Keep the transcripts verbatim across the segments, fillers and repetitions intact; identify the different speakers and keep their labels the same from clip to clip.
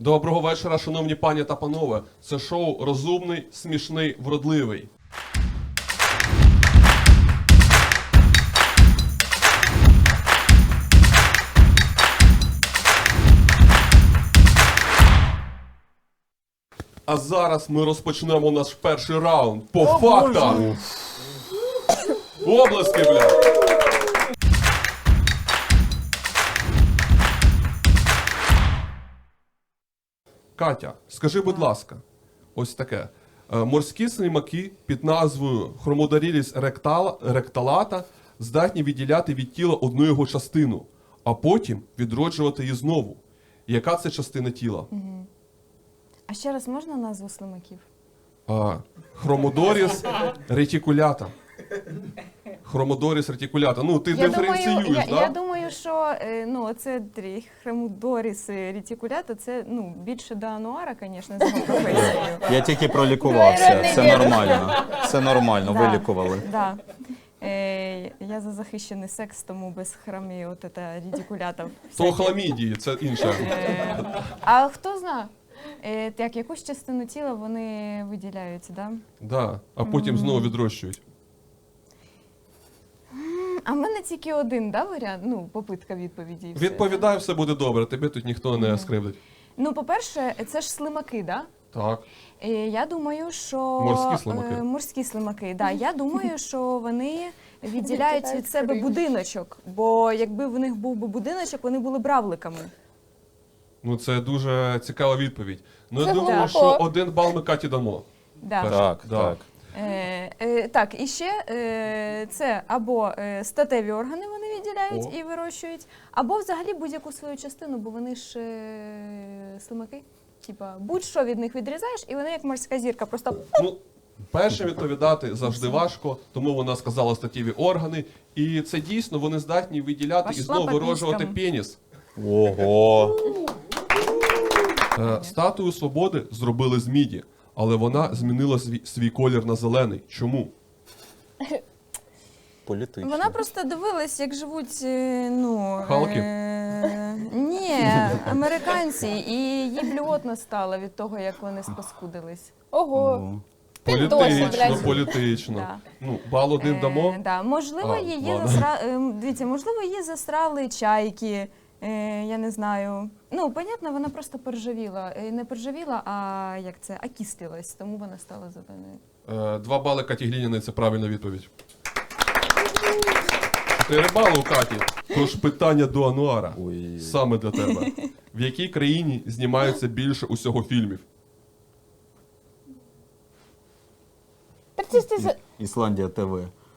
Speaker 1: Доброго вечора, шановні пані та панове. Це шоу «Розумний, смішний, вродливий». А зараз ми розпочнемо наш перший раунд по
Speaker 2: О,
Speaker 1: фактам. Облески, бля. Катя, скажи, будь ласка, ось таке. Е, Морські слимаки під назвою Хромодаріліс ректала, ректалата здатні відділяти від тіла одну його частину, а потім відроджувати її знову. Яка це частина тіла?
Speaker 2: Угу. А ще раз можна назву слимаків?
Speaker 1: А, Хромодоріс ретикулята. Хромодоріс ретикулята. Ну, ти
Speaker 2: Я
Speaker 1: диференціюєш,
Speaker 2: думаю,
Speaker 1: да?
Speaker 2: я, я думаю, що е, ну, оце Хромодоріс ретикулята, це ну, більше до ануара, звісно, за його професією.
Speaker 3: Я тільки пролікувався, це нормально. Це нормально,
Speaker 2: Да,
Speaker 3: вилікували.
Speaker 2: да. Е, я за захищений секс, тому без храмі от це ретикулята.
Speaker 1: То хламідії, це інше.
Speaker 2: Е, а хто знає, е, так, якусь частину тіла вони виділяються, да?
Speaker 1: Да, а потім знову відрощують.
Speaker 2: А в мене тільки один, да, варіант? Ну, попитка відповіді. і все.
Speaker 1: Відповідай, все буде добре, тебе тут ніхто не скривдить.
Speaker 2: Ну, по-перше, це ж слимаки, да?
Speaker 1: Так.
Speaker 2: І я думаю, що...
Speaker 1: Морські слимаки.
Speaker 2: Е, Морські слимаки, да. Я думаю, що вони відділяють від себе будиночок, бо якби в них був би будиночок, вони були б равликами.
Speaker 1: Ну, це дуже цікава відповідь. Ну, я
Speaker 4: Це
Speaker 1: думаю,
Speaker 4: глибоко.
Speaker 1: що один бал ми Каті дамо.
Speaker 2: Да.
Speaker 1: Перше.
Speaker 3: Так,
Speaker 1: Да.
Speaker 3: так.
Speaker 2: Е, е, так, і ще е, це або е, статеві органи вони відділяють
Speaker 1: О.
Speaker 2: і вирощують, або взагалі будь-яку свою частину, бо вони ж е, слимаки. Типа, будь-що від них відрізаєш, і вони як морська зірка, просто
Speaker 1: Ну, першим відповідати завжди важко, тому вона сказала статеві органи. І це дійсно, вони здатні виділяти і
Speaker 2: Пошла
Speaker 1: знову
Speaker 2: по
Speaker 1: вироджувати
Speaker 2: піськам.
Speaker 1: пеніс.
Speaker 3: Ого.
Speaker 1: Е, Статую свободи зробили з міді, але вона змінила свій, свій колір на зелений. Чому?
Speaker 3: Політично.
Speaker 2: вона просто дивилась, як живуть, е, ну...
Speaker 1: Халки?
Speaker 2: Е, ні, американці, і їй блювотно стало від того, як вони спаскудились.
Speaker 4: Ого.
Speaker 3: Ну,
Speaker 4: Ти досі,
Speaker 1: Політично,
Speaker 4: блядь.
Speaker 1: політично.
Speaker 2: Да.
Speaker 1: Ну, бал один дамо.
Speaker 2: Е, да. Можливо,
Speaker 1: А,
Speaker 2: її
Speaker 1: ладно.
Speaker 2: засра... е, дивіться, можливо, її засрали чайки, е, я не знаю. Ну, понятно, вона просто поржавіла. Е, Не поржавіла, а як це, окислилась, тому вона стала зеленою.
Speaker 1: Е, Два бали Каті Глініної – це правильна відповідь. Чотири бали у Каті. Тож питання до Ануара.
Speaker 3: Ой.
Speaker 1: Саме для тебе. В якій країні знімаються більше усього фільмів?
Speaker 4: Так це ж ти за...
Speaker 3: Ісландія ТВ.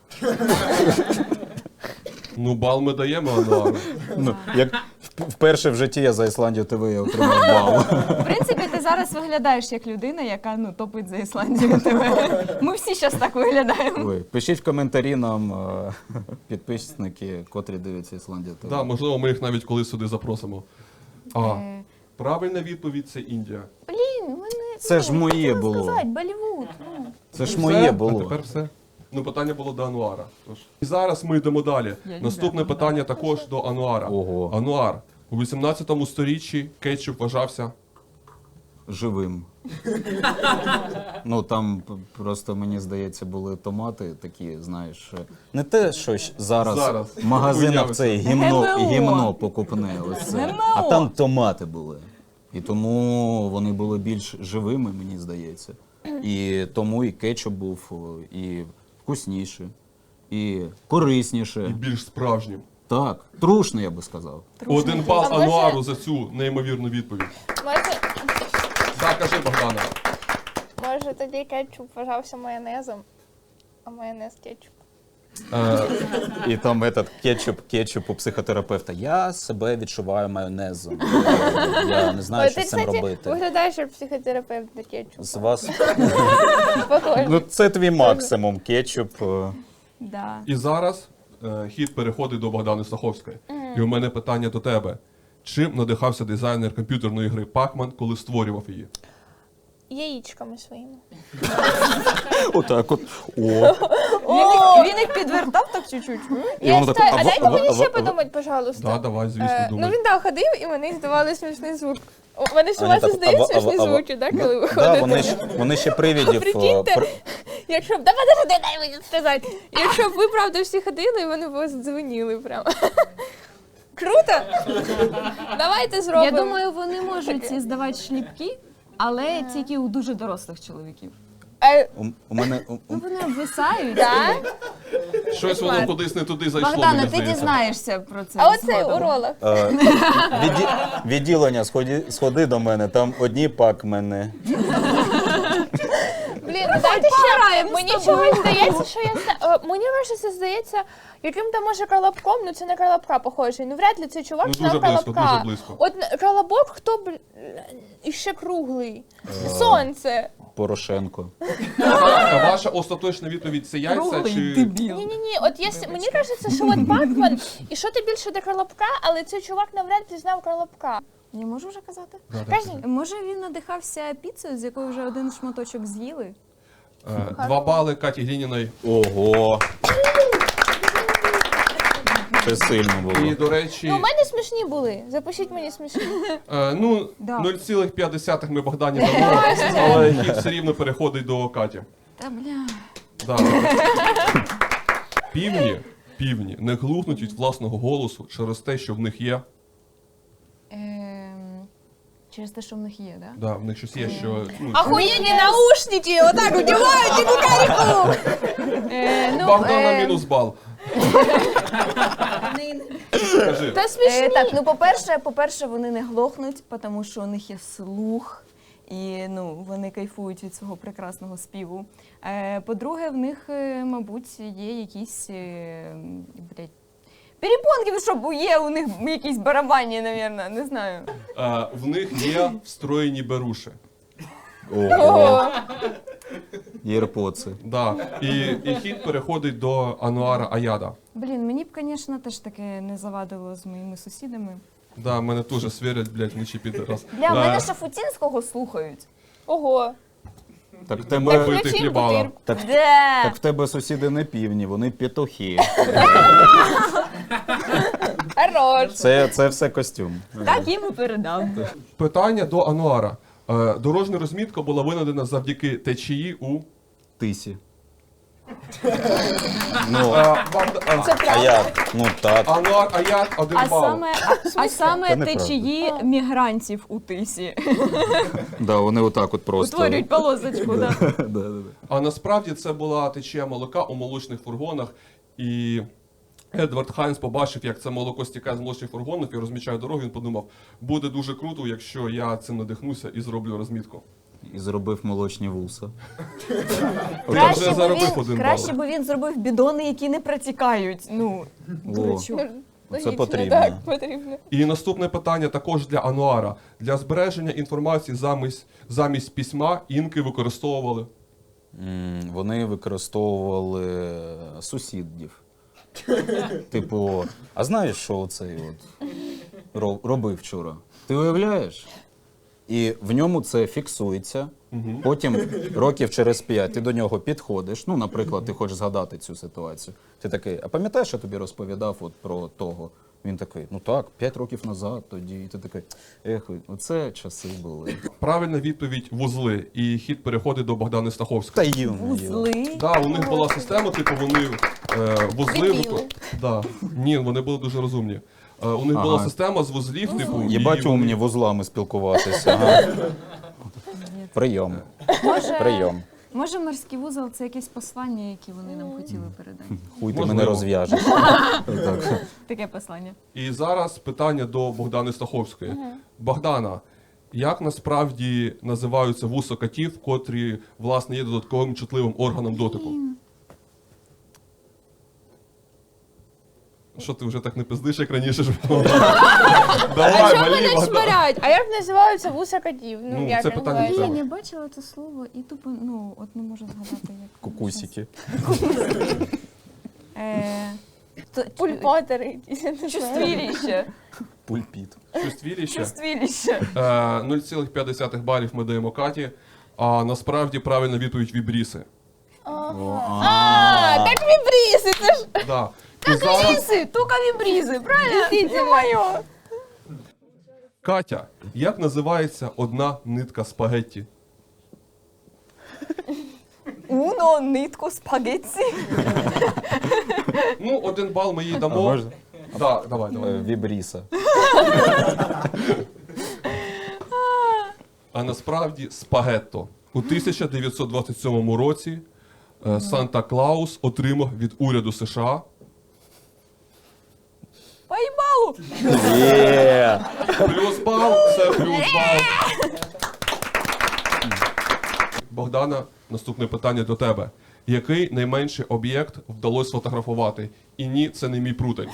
Speaker 1: Ну, бал ми даємо Ануару.
Speaker 3: Ну, як вперше в житті я за Ісландію ТВ я отримав бал.
Speaker 2: В принципі, ти зараз виглядаєш як людина, яка ну, топить за Ісландію тебе. Ми всі зараз так виглядаємо.
Speaker 3: Ой, пишіть в коментарі нам е, підписники, котрі дивляться Ісландія ТВ.
Speaker 1: Да, можливо, ми їх навіть колись сюди запросимо. А,
Speaker 2: Е,
Speaker 1: правильна відповідь – це Індія.
Speaker 2: Блін, мене...
Speaker 3: Це ж моє
Speaker 2: хотіла
Speaker 3: було.
Speaker 2: сказати, Болівуд. Ну.
Speaker 3: Це ж
Speaker 1: Все?
Speaker 3: моє
Speaker 1: А
Speaker 3: було.
Speaker 1: тепер все. Ну, питання було до Ануара. Тож. І зараз ми йдемо далі.
Speaker 2: Я
Speaker 1: Наступне
Speaker 2: люблю
Speaker 1: питання також до Ануара.
Speaker 3: Ого.
Speaker 1: Ануар, у вісімнадцятому сторіччі кетчуп вважався...
Speaker 3: Живим. Ну там п- просто, мені здається, були томати такі, знаєш, е, не те, що щ- зараз,
Speaker 1: Зараз.
Speaker 3: в магазинах
Speaker 1: Уявиться.
Speaker 3: це гімно,
Speaker 2: ГМО.
Speaker 3: гімно покупне, ось це.
Speaker 2: ГМО.
Speaker 3: А там томати були. І тому вони були більш живими, мені здається. І тому і кетчуп був о, і вкусніший, і корисніше.
Speaker 1: І більш справжнім.
Speaker 3: Так, трушний, я би сказав.
Speaker 1: Один бал
Speaker 4: А може-
Speaker 1: Ануару за цю неймовірну відповідь.
Speaker 4: Може,
Speaker 1: Так, кажи, Богдана.
Speaker 4: може тоді кетчуп вважався майонезом, а майонез кетчуп.
Speaker 1: Е,
Speaker 3: І там этот кетчуп, кетчуп у психотерапевта. Я себе відчуваю майонезом. Я не знаю,
Speaker 4: Ой,
Speaker 3: що
Speaker 4: ти,
Speaker 3: з цим
Speaker 4: кстати,
Speaker 3: робити.
Speaker 4: виглядаєш як психотерапевт на кетчуп.
Speaker 3: З вас.
Speaker 4: Похоже.
Speaker 3: Ну, це твій максимум, кетчуп. е.
Speaker 2: Да.
Speaker 1: і зараз е, хід переходить до Богдани Стаховської. І у мене питання до тебе. Чим надихався дизайнер комп'ютерної гри Pac-Man, коли створював її?
Speaker 4: Яєчками своїми.
Speaker 3: Отак от. О.
Speaker 2: Він їх, він їх підвертав так чуть-чуть.
Speaker 3: І
Speaker 4: Я
Speaker 3: воно
Speaker 4: читаю,
Speaker 3: таке,
Speaker 4: а
Speaker 3: «Ава,
Speaker 4: дайте
Speaker 3: ава,
Speaker 4: мені ще
Speaker 3: ава».
Speaker 4: подумати, пожалуйста.
Speaker 1: Да, давай, звісно,
Speaker 4: Е,
Speaker 1: думай.
Speaker 4: Ну він так ходив, і мені здавали смішний звук. У мене ж у
Speaker 3: Вони
Speaker 4: вас
Speaker 3: так,
Speaker 4: здають
Speaker 3: ава-
Speaker 4: смішні
Speaker 3: ава-
Speaker 4: звуки, так, коли ви
Speaker 3: Да,
Speaker 4: ходите?
Speaker 3: вони, ж, вони ще привідів. е,
Speaker 4: Прикиньте,
Speaker 3: при-
Speaker 4: якщо б, да подожди, дай мені сказати. Якщо б ви, правда, всі ходили, вони б вас дзвонили прямо. Круто? Давайте зробимо.
Speaker 2: Я думаю, вони можуть здавати шліпки, але тільки у дуже дорослих чоловіків.
Speaker 4: Е,
Speaker 3: У, у мене у,
Speaker 2: Ну,
Speaker 3: у,
Speaker 2: вони обвисають.
Speaker 4: да?
Speaker 1: Щось воно кудись не туди зайшло,
Speaker 2: Богдана,
Speaker 1: мені
Speaker 2: ти
Speaker 1: здається.
Speaker 2: дізнаєшся про це.
Speaker 4: А оцей
Speaker 2: згодом.
Speaker 4: уролог.
Speaker 3: е, відді, відділення, сходи, сходи до мене, там одні пак мене.
Speaker 4: Блін, ну дайте ще.
Speaker 2: пограємо з
Speaker 4: Мені
Speaker 2: тобою.
Speaker 4: чогось здається, що я зна- е, мені ваше це здається яким-то може колобком, ну це на колобка похожий. Ну вряд ли цей чувак
Speaker 1: Ну,
Speaker 4: знав
Speaker 1: дуже близько,
Speaker 4: колобка.
Speaker 1: дуже близько.
Speaker 4: От на- колобок, хто б іще круглий. Сонце.
Speaker 3: Порошенко.
Speaker 1: А ваша остаточна відповідь це яйця
Speaker 2: Круглий
Speaker 1: чи...
Speaker 2: дебіл.
Speaker 4: Ні, ні, ні. От якщо мені кажеться, що от Пакман, і що ти більше до колобка, але цей чувак навряд чи знав колобка.
Speaker 2: Я можу вже казати?
Speaker 1: Да, да,
Speaker 4: Кажи.
Speaker 1: це-
Speaker 2: Може він надихався піцею, з якої вже один шматочок з'їли?
Speaker 1: Е, Два бали Каті Глініної.
Speaker 3: Ого. Це сильно було.
Speaker 1: І, до речі,
Speaker 4: Ну, у мене смішні були. Запишіть мені смішні.
Speaker 1: е, ну,
Speaker 2: Да.
Speaker 1: нуль цілих п'ять десятих ми Богдані дамо, але хід все рівно переходить до Каті.
Speaker 2: Та бля.
Speaker 1: Да. Півні, півні не глухнуть від власного голосу через те, що в них є.
Speaker 2: Ем, через те, що в них є, да?
Speaker 1: Да, в них щось є, що... Ну,
Speaker 4: Охуєнні наушники, отак одягають і кукарику.
Speaker 2: Е, ну,
Speaker 1: Богдана
Speaker 2: е,
Speaker 1: мінус бал. Скажи.
Speaker 4: Та смішні.
Speaker 2: Е, так, ну по-перше, по-перше, вони не глохнуть, тому що у них є слух, і ну, вони кайфують від свого прекрасного співу. Е, по-друге, в них, е, мабуть, є якісь е, блядь, перепонки, ну, щоб є у них якісь барабанні, мабуть, не знаю.
Speaker 1: Е, в них є встроєні беруші.
Speaker 3: Ого. Єрпоци.
Speaker 1: Да. І, і хід переходить до Ануара Аяда.
Speaker 2: Блін, мені б, звісно, теж таке не завадило з моїми сусідами.
Speaker 1: Да, мене теж свірять, блядь, вночі під раз.
Speaker 2: Бля, в мене
Speaker 1: Е,
Speaker 2: Шафутінського слухають.
Speaker 4: Ого.
Speaker 3: Так в
Speaker 4: Так
Speaker 3: тебе,
Speaker 1: ви-
Speaker 4: включи
Speaker 1: хлібала.
Speaker 4: бутирку.
Speaker 3: так,
Speaker 2: Де?
Speaker 3: так в тебе сусіди не півні, вони петухи.
Speaker 4: Хорош.
Speaker 3: Це, це все костюм.
Speaker 2: Так їм і передам.
Speaker 1: Питання до Ануара. Е, дорожня розмітка була винайдена завдяки течії у...
Speaker 3: Тисі. Ну,
Speaker 1: Е, Богда- е,
Speaker 4: Це
Speaker 3: а
Speaker 4: правда.
Speaker 3: як? Ну так.
Speaker 1: Ануар Аяд один
Speaker 2: А
Speaker 1: бал.
Speaker 2: саме, а, а саме
Speaker 3: Це неправда.
Speaker 2: течії мігрантів у тисі.
Speaker 3: Да, вони отак от просто.
Speaker 2: Утворюють полосочку, да.
Speaker 3: Да, да, да.
Speaker 1: А насправді це була течія молока у молочних фургонах. І Едвард Хайнс побачив, як це молоко стікає з молочних фургонів і розмічає дорогу. Він подумав, буде дуже круто, якщо я цим надихнуся і зроблю розмітку.
Speaker 3: І зробив молочні вуса.
Speaker 1: Я вже
Speaker 2: Краще, б
Speaker 1: заробив
Speaker 2: він,
Speaker 1: один
Speaker 2: краще
Speaker 1: бал.
Speaker 2: би він зробив бідони, які не протікають. Ну,
Speaker 3: О.
Speaker 2: дурачок.
Speaker 3: Це
Speaker 4: Логічно,
Speaker 3: потрібно.
Speaker 4: Так, потрібно.
Speaker 1: І наступне питання також для Ануара. Для збереження інформації замість, замість письма інки використовували.
Speaker 3: М, Вони використовували сусідів. Типу, а знаєш, що цей от ро- робив вчора? Ти уявляєш? І в ньому це фіксується. Потім років через п'ять ти до нього підходиш. Ну, наприклад, ти хочеш згадати цю ситуацію. Ти такий, а пам'ятаєш, я тобі розповідав от про того? Він такий, ну так, п'ять років назад тоді. І ти такий, ех, оце часи були.
Speaker 1: Правильна відповідь вузли. І хід переходить до Богдани
Speaker 3: Та
Speaker 1: Стаховської.
Speaker 3: їм.
Speaker 2: Вузли.
Speaker 1: Да, у них була система, типу вони е, вузли.
Speaker 4: Дебіли.
Speaker 1: вико- Да. Ні, вони були дуже розумні. Е, у них була
Speaker 3: Ага.
Speaker 1: система з вузлів, типу. і
Speaker 3: Єбать
Speaker 1: вони-
Speaker 3: умні вузлами спілкуватися. Ага. Прийом.
Speaker 2: Може,
Speaker 3: Прийом.
Speaker 2: може морський вузол це якесь послання, яке вони нам хотіли передати.
Speaker 3: Хуй ти
Speaker 1: Можливо.
Speaker 3: мене розв'яжеш. Так.
Speaker 2: Таке послання.
Speaker 1: І зараз питання до Богдани Стаховської. Богдана, як насправді називаються вуса котів, котрі, власне, є додатковим чутливим органом дотику? Що ти вже так не пиздиш, як раніше ж було?
Speaker 4: А
Speaker 1: Давай,
Speaker 4: чому
Speaker 1: валі,
Speaker 4: мене
Speaker 1: Богдан.
Speaker 4: чмарять? А як називаються вуса котів? Ну,
Speaker 1: Ну,
Speaker 4: як
Speaker 1: це питання
Speaker 4: називаються?
Speaker 1: треба.
Speaker 2: Блін, я бачила це слово і тупо, ну, от не можу згадати, як.
Speaker 3: Кукусики.
Speaker 2: Е, то-
Speaker 4: Пульпатери якісь, я не знаю.
Speaker 2: Чувствіліще.
Speaker 3: Пульпіт.
Speaker 1: Чувствіліще?
Speaker 2: Чувствіліще.
Speaker 1: Е, нуль цілих п'ять десятих балів ми даємо Каті, а насправді правильна відповідь вібріси.
Speaker 4: А, так вібріси, це ж
Speaker 1: Да. І зараз,
Speaker 2: Брізи, тука вібрізи, правильно?
Speaker 4: дійсно моє.
Speaker 1: Катя, як називається одна нитка спагетті?
Speaker 2: Уно, нитку, спагетті.
Speaker 1: Ну, один бал ми їй
Speaker 3: А
Speaker 1: дамо.
Speaker 3: можна?
Speaker 1: Да, давай, давай.
Speaker 3: Е, Вібріса.
Speaker 1: А насправді спагетто. У тисяча дев'ятсот двадцять сьомому році е, Санта-Клаус отримав від уряду США
Speaker 2: Поїбалу!
Speaker 3: Є!
Speaker 1: плюс бал, це плюс бал. Богдана, наступне питання до тебе. Який найменший об'єкт вдалося сфотографувати? І ні, це не мій прутень.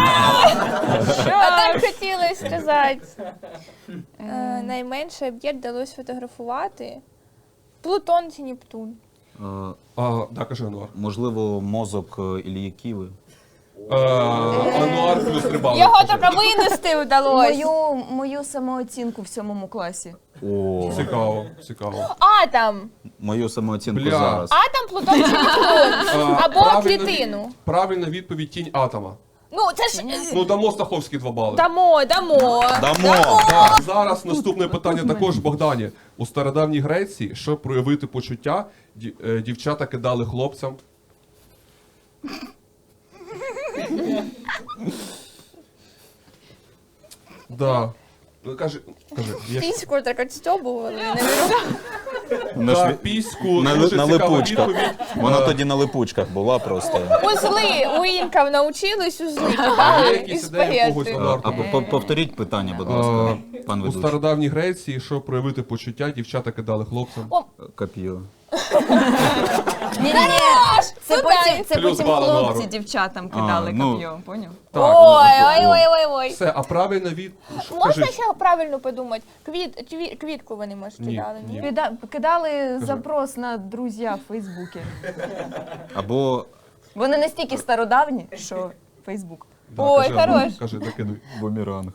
Speaker 4: А так хотілося сказати. Е, Найменший об'єкт вдалося фотографувати. Плутон чи Нептун?
Speaker 3: Е,
Speaker 1: А, да, кажи, Ануар.
Speaker 3: Можливо, мозок е, Ілії Ківи.
Speaker 1: Е, Ануар плюс три бали.
Speaker 4: Його
Speaker 1: Кажи.
Speaker 4: тільки винести вдалося.
Speaker 2: Мою, мою самооцінку в сьомому класі.
Speaker 3: О,
Speaker 1: Цікаво, цікаво.
Speaker 4: Атом.
Speaker 3: мою самооцінку
Speaker 1: Бля.
Speaker 3: зараз.
Speaker 4: Атом, Плутон чи Нептун?
Speaker 1: А,
Speaker 4: Або
Speaker 1: правильна
Speaker 4: клітину.
Speaker 1: від- Правильна відповідь тінь атома.
Speaker 4: Ну, це ж... е,
Speaker 1: Ну, дамо Стаховські два бали.
Speaker 4: Дамо, дамо.
Speaker 3: Дамо!
Speaker 1: Так, зараз наступне питання також Богдані. У стародавній Греції, щоб проявити почуття, ді- е, дівчата кидали хлопцям. Да. Ну, Кажи, кажи. Є ж-
Speaker 4: Піську так отстьобували. не виру-
Speaker 3: Вона ж
Speaker 1: Так,
Speaker 3: ві-
Speaker 1: піську,
Speaker 3: на,
Speaker 1: дуже
Speaker 3: на
Speaker 1: цікава
Speaker 3: липучках.
Speaker 1: відповідь.
Speaker 3: Вона
Speaker 1: Е,
Speaker 3: тоді на липучках була просто.
Speaker 4: Узли. У інків навчились узли
Speaker 1: Є
Speaker 4: кидали і
Speaker 1: якісь ідеї в когось,
Speaker 4: спагетти.
Speaker 1: Ануар?
Speaker 3: А по- по- повторіть питання, будь ласка, пан
Speaker 1: У
Speaker 3: ведучий.
Speaker 1: стародавній Греції, щоб проявити почуття, дівчата кидали хлопцям.
Speaker 3: Коп'ю.
Speaker 2: Ні, ні, ні. Це
Speaker 4: Ну,
Speaker 2: потім, це
Speaker 1: Плюс
Speaker 2: потім
Speaker 1: бал
Speaker 2: хлопці
Speaker 1: Ануару.
Speaker 2: дівчатам кидали
Speaker 3: А, ну.
Speaker 2: коп'є, поняв?
Speaker 1: Так,
Speaker 4: Ой,
Speaker 1: ну,
Speaker 4: ой, ой, ой, ой.
Speaker 1: Все, а правильна від... Що,
Speaker 4: Можна
Speaker 1: кажи.
Speaker 4: ще правильно подумати? Квіт, кві- квітку вони, може,
Speaker 1: Ні,
Speaker 4: кидали, ні?
Speaker 1: ні.
Speaker 2: Кида- Кидали запрос на друзі в Фейсбуці.
Speaker 3: Або
Speaker 2: Вони настільки стародавні, що Фейсбук.
Speaker 1: Да,
Speaker 4: Ой,
Speaker 1: кажи, Ануар,
Speaker 4: хорош.
Speaker 1: Кажи, докидуй.
Speaker 3: бумеранг.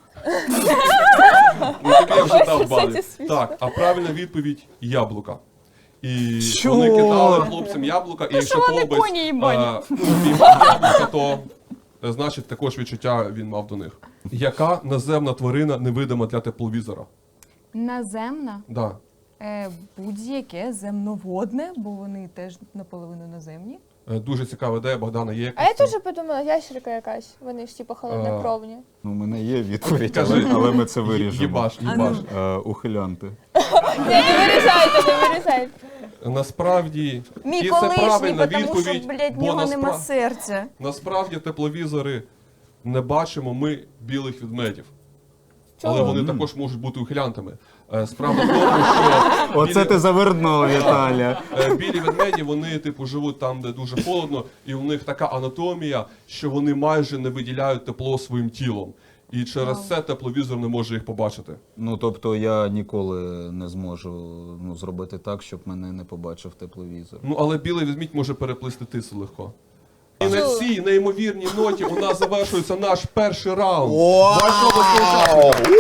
Speaker 1: Ну, тобі я вже дав
Speaker 4: Це
Speaker 1: бали.
Speaker 4: смішно.
Speaker 1: Так, а правильна відповідь яблука. І
Speaker 3: Що?
Speaker 1: вони кидали хлопцям яблука, і якщо
Speaker 2: що вони
Speaker 1: хлопець
Speaker 2: коні їбані?
Speaker 1: е, ну, піймав яблука, то е, значить також відчуття він мав до них. Яка наземна тварина невидима для тепловізора?
Speaker 2: Наземна,
Speaker 1: Да.
Speaker 2: е, будь-яке земноводне, бо вони теж наполовину наземні.
Speaker 1: Е, Дуже цікава ідея, Богдана, є
Speaker 4: А я
Speaker 1: якась?
Speaker 4: теж подумала, ящерка якась. Вони ж типу холоднокровні.
Speaker 3: Ну, у мене є відповідь,
Speaker 1: Кажи.
Speaker 3: але, але ми це виріжемо.
Speaker 1: Їбаш, їбаш.
Speaker 3: Е, ухилянти.
Speaker 4: Ні, не вирізайте, не вирізайте.
Speaker 1: Насправді,
Speaker 2: Мій
Speaker 1: і це
Speaker 2: колишній,
Speaker 1: правильна
Speaker 2: тому що,
Speaker 1: відповідь,
Speaker 2: блядь, в
Speaker 1: бо
Speaker 2: нього нема
Speaker 1: наспра-
Speaker 2: серця.
Speaker 1: насправді тепловізори не бачимо ми білих ведмедів. Але
Speaker 4: Чого?
Speaker 1: вони також можуть бути ухилянтами. Е, Справа в тому, що
Speaker 3: Оце
Speaker 1: білі,
Speaker 3: ти завернув, Віталя.
Speaker 1: е, білі ведмеді, вони типу живуть там, де дуже холодно, і у них така анатомія, що вони майже не виділяють тепло своїм тілом. І через це тепловізор не може їх побачити.
Speaker 3: Ну, тобто я ніколи не зможу ну, зробити так, щоб мене не побачив тепловізор.
Speaker 1: Ну але білий ведмідь може переплисти тису легко. І на цій неймовірній ноті у нас завершується наш перший раунд. Ваші обласні учасники.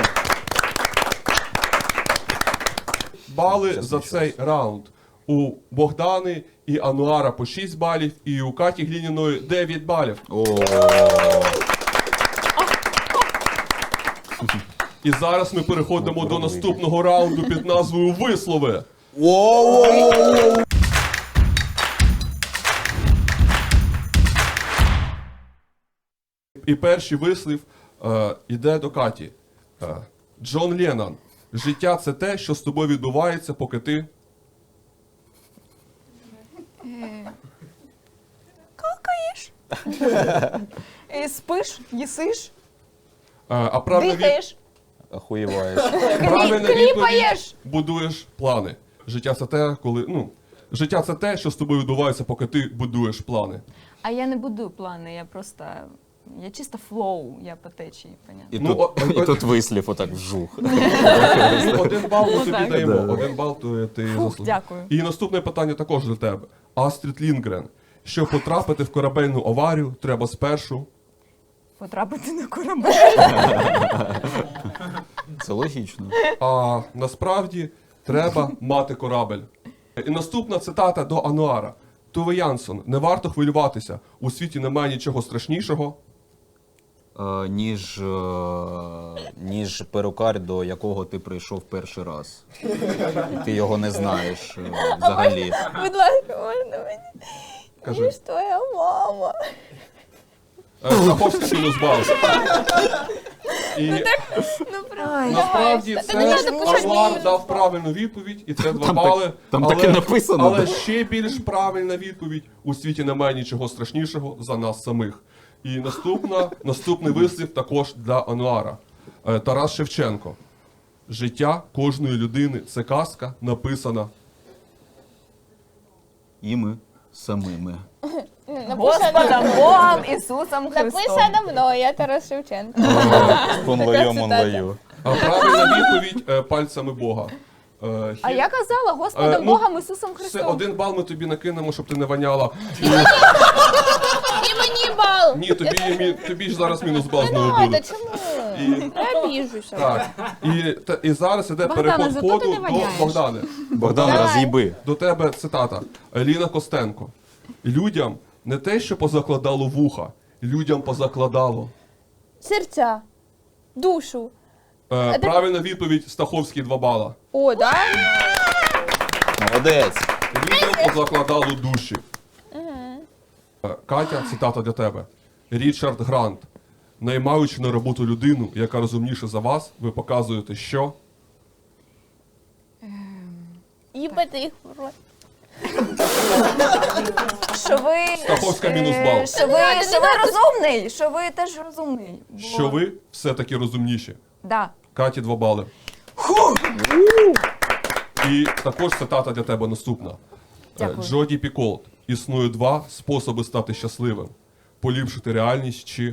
Speaker 1: Бали за цей раунд. У Богдани і Ануара по шість балів, і у Каті Глініної дев'ять балів.
Speaker 3: О,
Speaker 1: І зараз ми переходимо до наступного раунду під назвою Вислови. І перший вислів е, іде до Каті. Е, Джон Леннон. Життя це те, що з тобою відбувається, поки ти.
Speaker 2: Какаєш? Е, Спиш, їсиш,
Speaker 1: Е, а правильна, від...
Speaker 2: дихаєш,
Speaker 3: охуєваєш.
Speaker 1: правильна відповідь
Speaker 2: кліпаєш.
Speaker 1: будуєш плани. Життя це те, коли. Ну, життя це те, що з тобою відбувається, поки ти будуєш плани.
Speaker 2: А я не будую плани, я просто. Я чисто флоу, я по течії, понятно.
Speaker 3: І,
Speaker 1: Ну,
Speaker 3: тут,
Speaker 1: о-
Speaker 3: і тут вислів отак вжух.
Speaker 1: Ну, один бал ми тобі
Speaker 2: так.
Speaker 1: даємо.
Speaker 3: Да.
Speaker 1: Один бал то ти
Speaker 2: Фух,
Speaker 1: заслужив.
Speaker 2: дякую.
Speaker 1: І наступне питання також до тебе. Астрід Лінгрен. Щоб потрапити в корабельну аварію, треба спершу.
Speaker 2: Потрапити на корабель.
Speaker 3: Це логічно.
Speaker 1: А насправді треба мати корабель. І наступна цитата до Ануара. Туве Янсон, не варто хвилюватися. У світі немає нічого страшнішого.
Speaker 3: е, ніж, е, ніж перукар, до якого ти прийшов перший раз. Ти його не знаєш е, взагалі.
Speaker 4: Будь ласка, можна мені?
Speaker 1: Кажи.
Speaker 4: Ніж твоя мама.
Speaker 1: Е, Стаховська мінус бал. І
Speaker 4: Ну, правда.
Speaker 1: насправді
Speaker 4: Та не
Speaker 1: це
Speaker 4: треба писати
Speaker 1: Ануар
Speaker 4: мінус.
Speaker 1: дав правильну відповідь, і це два
Speaker 3: Там
Speaker 1: бали.
Speaker 3: так- там
Speaker 1: але,
Speaker 3: таке написано.
Speaker 1: Але ще більш правильна відповідь: у світі немає нічого страшнішого за нас самих. І наступна, наступний вислів також для Ануара. Е, Тарас Шевченко. Життя кожної людини це казка, написана.
Speaker 3: Іми самими.
Speaker 2: Господом Богом Ісусом Христом.
Speaker 4: Написано мною, я Тарас Шевченко.
Speaker 3: Конлою
Speaker 4: цитата.
Speaker 3: монлою.
Speaker 1: А правильна відповідь е, пальцями Бога. Е,
Speaker 2: А
Speaker 1: хі-
Speaker 2: я казала Господом
Speaker 1: Е, ну,
Speaker 2: Богом Ісусом
Speaker 1: Все,
Speaker 2: Христом.
Speaker 1: один бал ми тобі накинемо, щоб ти не воняла.
Speaker 4: І мені бал.
Speaker 1: Ні, тобі, є мі- тобі ж зараз мінус бал
Speaker 4: Не
Speaker 1: знову
Speaker 4: надо,
Speaker 1: буде.
Speaker 4: чому?
Speaker 1: І,
Speaker 4: Я біжуся.
Speaker 1: так, і, та, і зараз іде
Speaker 2: Богдане,
Speaker 1: переход
Speaker 2: зато ти
Speaker 1: ходу
Speaker 2: не
Speaker 1: до
Speaker 2: воняєш.
Speaker 1: Богдани.
Speaker 3: Богдан,
Speaker 4: Давай.
Speaker 3: роз'їби.
Speaker 1: До тебе цитата. Еліна Костенко. Людям не те, що позакладало вуха, людям позакладало.
Speaker 4: Серця, душу.
Speaker 1: Е,
Speaker 4: ти-
Speaker 1: правильна відповідь Стаховський два бала.
Speaker 4: О, да?
Speaker 3: Молодець.
Speaker 1: Людям позакладало душі. Е, Катя, цитата для тебе. Річард Грант. Наймаючи на роботу людину, яка розумніша за вас, ви показуєте, що
Speaker 4: Їбати їх в рот.
Speaker 2: Що ви,
Speaker 1: Стаховська
Speaker 2: е,
Speaker 1: мінус бал.
Speaker 2: що ви,
Speaker 4: Не
Speaker 2: що ви розумний, що ви теж розумний. Бо-
Speaker 1: що ви все-таки розумніші.
Speaker 2: Да.
Speaker 1: Каті два бали. І також цитата для тебе наступна. Е,
Speaker 2: Дякую.
Speaker 1: Джоді Піколт. Існує два способи стати щасливим: поліпшити реальність чи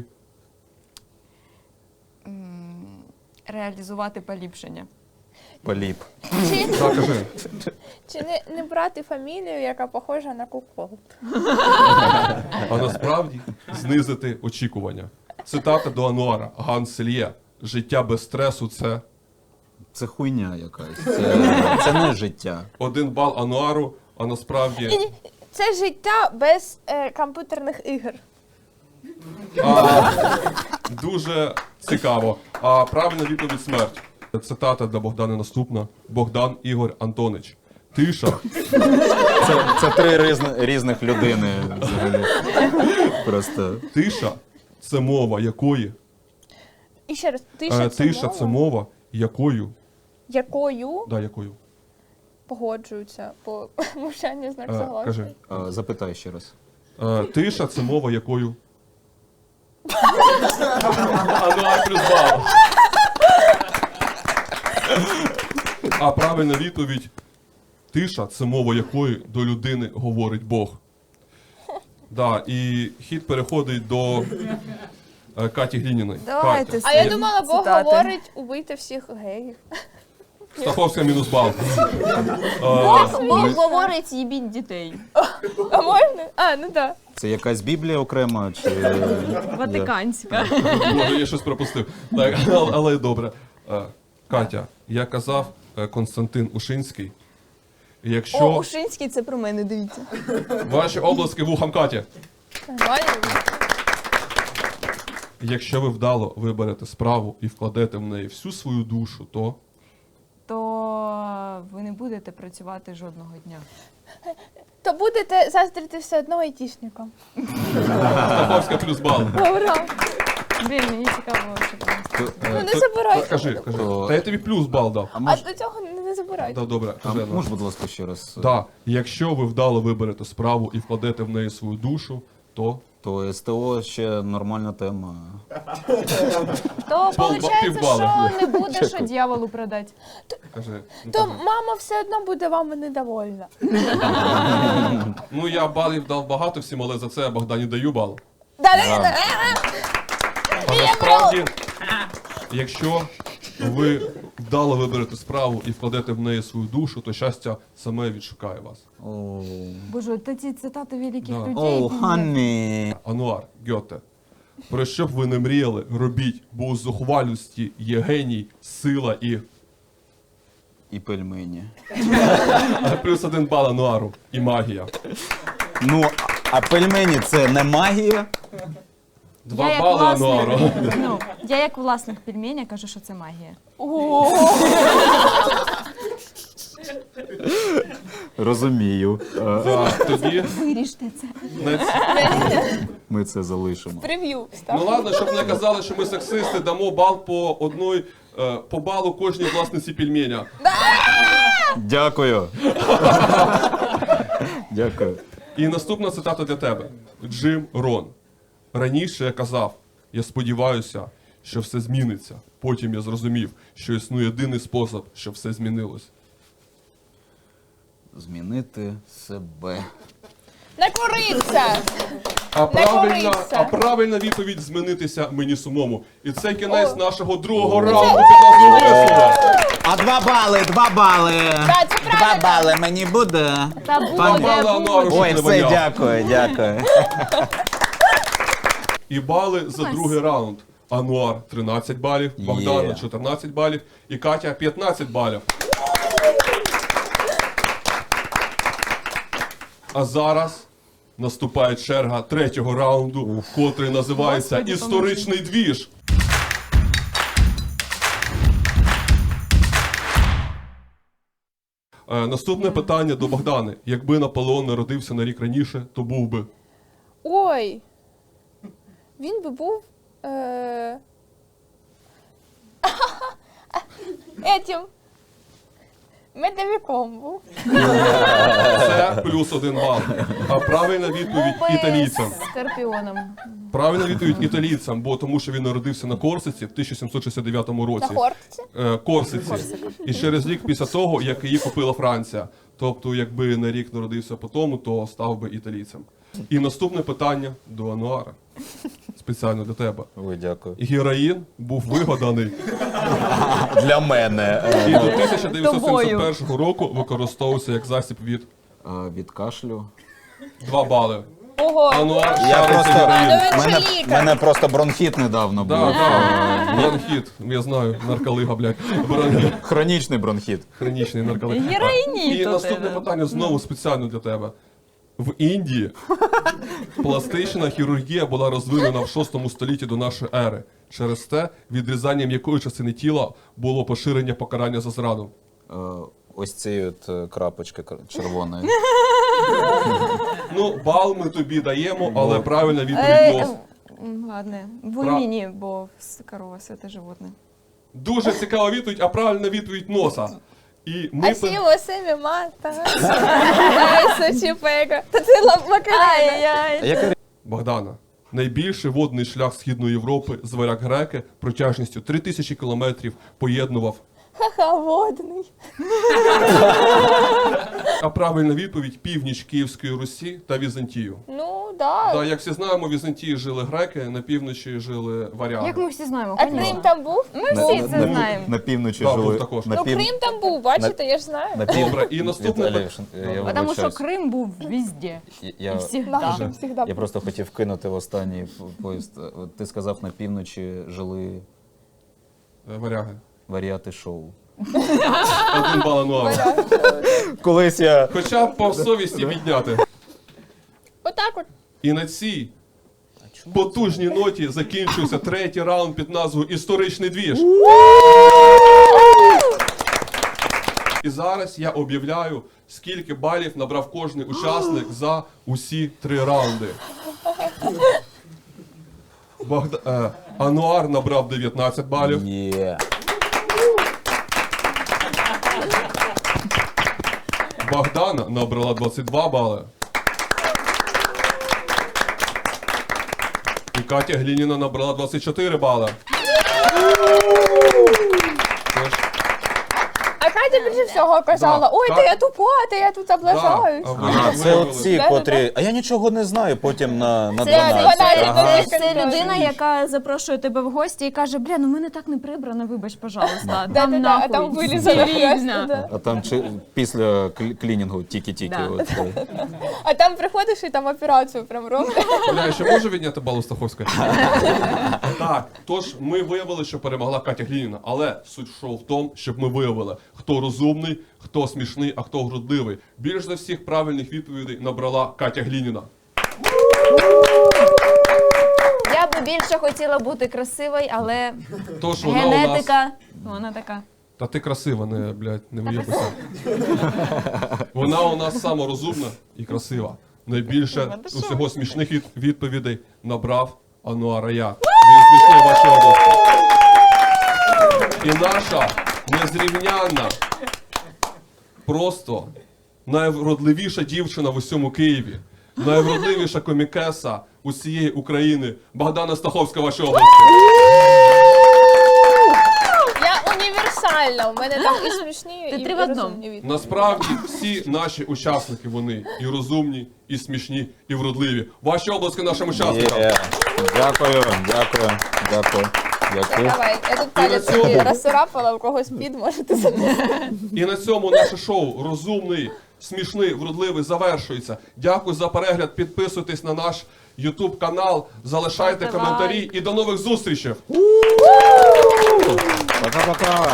Speaker 2: Реалізувати поліпшення.
Speaker 3: Поліп.
Speaker 4: Чи,
Speaker 1: так, кажи.
Speaker 4: чи не, не брати фамілію, яка похожа на Куколт?
Speaker 1: А насправді знизити очікування. Цитата до Ануара. Ганс Сельє. Життя без стресу це
Speaker 3: Це хуйня якась. Це, це не життя.
Speaker 1: один бал Ануару, а насправді
Speaker 4: Це життя без е, комп'ютерних ігор.
Speaker 1: а, дуже цікаво. А правильна відповідь смерть. Цитата для Богдана наступна. Богдан Ігор Антонич. Тиша.
Speaker 3: Це, це три різні, різних людини взагалі. Просто.
Speaker 1: Тиша це мова якої?
Speaker 4: І ще раз, тиша,
Speaker 1: Е,
Speaker 4: це,
Speaker 1: Тиша
Speaker 4: мова,
Speaker 1: це мова якою?
Speaker 4: якою
Speaker 1: Да, якою?
Speaker 4: погоджуються по мовчанню знак
Speaker 1: Е,
Speaker 4: согласия.
Speaker 1: кажи.
Speaker 3: А, запитай ще раз.
Speaker 1: Е, Тиша це мова якою? Ануар плюс бал. А правильна відповідь. Тиша це мова якої до людини говорить Бог. Да, і хід переходить до е, Каті Глініної.
Speaker 2: Давайте
Speaker 1: Катя.
Speaker 4: А я
Speaker 2: Ці
Speaker 4: думала, Бог
Speaker 2: цитати.
Speaker 4: говорить убити всіх геїв.
Speaker 1: Стаховська мінус бал.
Speaker 2: Бог, Бог говорить, їбіть дітей.
Speaker 4: А можна? А, ну так.
Speaker 3: Це якась Біблія окрема чи.
Speaker 2: Ватиканська.
Speaker 1: Може, я щось пропустив. Так, але, але добре. Е, Катя, я казав е, Константин Ушинський. Якщо
Speaker 2: О, Ушинський, це про мене, дивіться.
Speaker 1: ваші обласки вухам Каті,
Speaker 4: Нормально.
Speaker 1: якщо ви вдало виберете справу і вкладете в неї всю свою душу, то
Speaker 2: То ви не будете працювати жодного дня.
Speaker 4: То будете заздрити все одно айтішникам.
Speaker 1: Стаховська плюс бал.
Speaker 4: Ура!
Speaker 2: Блін, мені цікаво, що там.
Speaker 3: То,
Speaker 4: Ну
Speaker 3: е,
Speaker 4: не
Speaker 1: Та-
Speaker 4: забирайте.
Speaker 1: та Кажи, кажи.
Speaker 3: То-
Speaker 1: Та я тобі плюс бал дав.
Speaker 3: А
Speaker 4: А
Speaker 3: мож,
Speaker 4: до цього не, не забирайте.
Speaker 1: Да, добре,
Speaker 3: а
Speaker 1: кажи. ну.
Speaker 3: мож, будь ласка, ще раз.
Speaker 1: Да. Якщо ви вдало виберете справу і вкладете в неї свою душу, то
Speaker 3: То СТО ще нормальна тема.
Speaker 2: То
Speaker 1: Пол-
Speaker 2: виходить,
Speaker 1: півбали.
Speaker 2: що не буде, що дьяволу продати.
Speaker 1: кажи. Ну,
Speaker 4: То
Speaker 1: кажи.
Speaker 4: мама все одно буде вами недовольна.
Speaker 1: Ну я балів дав багато всім, але за це я Богдані даю бал.
Speaker 3: Да.
Speaker 1: А насправді, якщо ви вдало виберете справу і вкладете в неї свою душу, то щастя саме відшукає вас.
Speaker 3: О,
Speaker 2: Боже, та ці цитати великих
Speaker 1: Да.
Speaker 2: людей.
Speaker 3: О, Ханні.
Speaker 1: Ануар, Гьоте, про що б ви не мріяли, робіть, бо у зухвалості є геній, сила і
Speaker 3: І пельмені.
Speaker 1: плюс один бал Ануару і магія.
Speaker 3: Ну, а пельмені це не магія?
Speaker 1: Два
Speaker 2: як
Speaker 1: бали
Speaker 2: власник-
Speaker 1: Ануару.
Speaker 2: Ну, я як власник пельменя кажу, що це магія.
Speaker 4: О,
Speaker 3: Розумію. Е,
Speaker 1: Так, тоді
Speaker 2: Виріште це.
Speaker 1: на ці-
Speaker 3: Ми це залишимо.
Speaker 4: прев'ю
Speaker 1: Ну
Speaker 4: став.
Speaker 1: ладно, щоб не казали, що ми сексисти, дамо бал по одной, е, по балу кожній власниці пельменя.
Speaker 3: Дякую. Дякую.
Speaker 1: І наступна цитата для тебе. Джим Рон. Раніше я казав, я сподіваюся, що все зміниться. Потім я зрозумів, що існує єдиний спосіб, щоб все змінилось.
Speaker 3: Змінити себе.
Speaker 4: Не куриться!
Speaker 1: А правильна,
Speaker 4: кориться.
Speaker 1: а правильна відповідь змінитися мені самому. І це кінець
Speaker 4: О.
Speaker 1: нашого другого раунду під назвою «Весело».
Speaker 3: А два бали, два бали.
Speaker 4: Так, це
Speaker 3: Два
Speaker 4: правильно.
Speaker 3: бали мені буде.
Speaker 2: Та буде,
Speaker 1: Два бали Ануару,
Speaker 2: буде.
Speaker 1: щоб
Speaker 3: Ой,
Speaker 1: не
Speaker 3: все,
Speaker 1: воняв.
Speaker 3: дякую, дякую.
Speaker 1: І бали за другий раунд. Ануар тринадцять балів, Богдана
Speaker 3: Є.
Speaker 1: чотирнадцять балів і Катя п'ятнадцять балів. А зараз наступає черга третього раунду, котрий називається
Speaker 2: Господи,
Speaker 1: «Історичний двіж». Е, Наступне питання до Богдани. Якби Наполеон народився на рік раніше, то був би.
Speaker 4: Ой. Він би був. Е... Етім. Медовиком був.
Speaker 1: Це плюс один бал. А правильна відповідь італійцям.
Speaker 2: Скорпіоном.
Speaker 1: Правильна відповідь італійцям, бо тому що він народився на Корсиці в тисяча сімсот шістдесят дев'ятому році.
Speaker 4: На хортці.
Speaker 1: Е, Корсиці. І через рік після того, як її купила Франція. Тобто, якби на рік народився по тому, то став би італійцем. І наступне питання до Ануара. Спеціально для тебе.
Speaker 3: Ой, дякую.
Speaker 1: Героїн був вигаданий
Speaker 3: Для мене.
Speaker 1: і до тисяча дев'ятсот сімдесят першого року використовувався як засіб від
Speaker 3: Від кашлю.
Speaker 1: два бали.
Speaker 4: Ого.
Speaker 1: Ануар
Speaker 3: Я
Speaker 1: шариться
Speaker 3: просто-
Speaker 1: героїн.
Speaker 4: Ну він
Speaker 3: Мене,
Speaker 4: же лікар.
Speaker 3: мене просто бронхіт недавно був.
Speaker 1: Да, да. Бронхіт, я знаю, нарколига, блядь. Бронхіт.
Speaker 3: Хронічний бронхіт.
Speaker 1: Хронічний нарколиг.
Speaker 2: Героїніт
Speaker 1: І
Speaker 2: у
Speaker 1: наступне
Speaker 2: тебе.
Speaker 1: питання знову спеціально для тебе. В Індії пластична хірургія була розвинена в шостому столітті до нашої ери. Через те відрізанням якої частини тіла було поширення покарання за зраду.
Speaker 3: Е, Ось цієї от е, крапочки кр- червоної.
Speaker 1: Ну, бал ми тобі даємо, але правильна
Speaker 2: Е,
Speaker 1: відповідь нос.
Speaker 2: м, Ладно, вульміні, бо с- корова святе животне.
Speaker 1: Дуже цікава відповідь, а правильна відповідь носа. І ми
Speaker 4: А сі восемі мата. Ай, сочіпека. Та це Макарена.
Speaker 2: Ай-яй.
Speaker 3: А яка
Speaker 1: Богдана. Найбільший водний шлях Східної Європи з варяг греки протяжністю три тисячі кілометрів поєднував.
Speaker 4: Ха-ха, водний.
Speaker 1: А правильна відповідь північ Київської Русі та Візантію.
Speaker 4: Ну, да.
Speaker 1: Да, як всі знаємо, в Візантії жили греки, на півночі жили варяги.
Speaker 2: Як ми всі знаємо,
Speaker 4: А
Speaker 2: конечно.
Speaker 4: Крим там був?
Speaker 2: Ми всі це
Speaker 3: на,
Speaker 2: знаємо.
Speaker 3: на півночі
Speaker 1: Да,
Speaker 3: жили.
Speaker 1: був також.
Speaker 3: На
Speaker 4: Ну,
Speaker 3: пів-
Speaker 4: Крим там був, бачите, я ж знаю.
Speaker 3: на пів-
Speaker 1: Добре, і наступне
Speaker 3: Віталій,
Speaker 1: пи-
Speaker 3: я
Speaker 2: Потому що
Speaker 3: вибачаюсь.
Speaker 2: Крим був везде.
Speaker 3: Я-
Speaker 2: І
Speaker 3: Я,
Speaker 2: всегда.
Speaker 4: Завжди, завжди.
Speaker 3: я просто хотів кинути в останній п- поїзд. От ти сказав, на півночі жили
Speaker 1: Е, Варяги.
Speaker 3: варіати шоу.
Speaker 1: Один бал Ануару.
Speaker 3: Колись я...
Speaker 1: Хоча б по совісті підняти.
Speaker 4: Отак от.
Speaker 1: І на цій потужній ноті закінчується третій раунд під назвою «Історичний двіж». І зараз я об'являю, скільки балів набрав кожний учасник за усі три раунди. Богда... е, Ануар набрав дев'ятнадцять балів,
Speaker 3: Є.
Speaker 1: Богдана набрала двадцять два бали. І Катя Глініна набрала двадцять чотири бали. Тож,
Speaker 4: А Катя більше всього казала,
Speaker 1: Да.
Speaker 4: ой,
Speaker 1: Ка-
Speaker 4: та я тупа, та я тут
Speaker 1: да,
Speaker 4: облажаюсь.
Speaker 1: а ви
Speaker 3: Ага,
Speaker 1: як
Speaker 3: це
Speaker 1: виявили?
Speaker 3: оці,
Speaker 4: Да-да-да.
Speaker 3: котрі. А я нічого не знаю, потім на, на
Speaker 2: Це,
Speaker 3: дванадцять.
Speaker 4: дванадцять,
Speaker 3: Ага.
Speaker 4: дванадцять.
Speaker 2: це, це
Speaker 4: Точно.
Speaker 2: людина, яка запрошує тебе в гості і каже, бля, ну в мене так не прибрано, вибач, пожалуйста. Там
Speaker 4: Да-да-да, а
Speaker 2: нахуй.
Speaker 4: там вилізано
Speaker 2: Стерильно.
Speaker 4: просто, да.
Speaker 3: А там чи, після клі- клінінgu тільки-тільки.
Speaker 2: Да.
Speaker 3: От, е.
Speaker 4: А там приходиш і там операцію прям роблять.
Speaker 1: Бля, я ще можу відняти бал у Стаховської? Так, тож ми виявили, що перемогла Катя Глініна, але суть шоу в тому, щоб ми виявили, хто розумний, хто смішний, а хто грудливий. Більш за всіх правильних відповідей набрала Катя Глініна.
Speaker 4: Я би
Speaker 2: більше хотіла бути красивою, але
Speaker 1: То, що вона у нас...
Speaker 2: генетика, вона така.
Speaker 1: Та ти красива, не, блядь, не виїбися. Вона у нас саморозумна і красива. Найбільше усього смішних від- відповідей набрав Ануар Аяк. Він смішний в вашій області. І наша незрівнянна, просто найвродливіша дівчина в усьому Києві, найвродливіша комікеса усієї України Богдана Стаховська в вашій області.
Speaker 4: Я універсальна, у мене там і смішні,
Speaker 2: Ти
Speaker 4: і
Speaker 2: три в одному.
Speaker 4: розумні відповіді.
Speaker 1: Насправді всі наші учасники, вони і розумні, і смішні, і вродливі. Ваші обласки нашим учасникам.
Speaker 3: Є. Дякую, дякую, дякую, дякую.
Speaker 4: Давай, я тут
Speaker 1: І на
Speaker 4: палець
Speaker 1: цьому-
Speaker 4: собі розцарапала, у когось під можете занести.
Speaker 1: І на цьому наше шоу розумний, смішний, вродливий завершується. Дякую за перегляд. Підписуйтесь на наш YouTube канал, залишайте
Speaker 2: Ставте
Speaker 1: коментарі
Speaker 2: лайк.
Speaker 1: і до нових зустрічей.
Speaker 3: Пока-пока.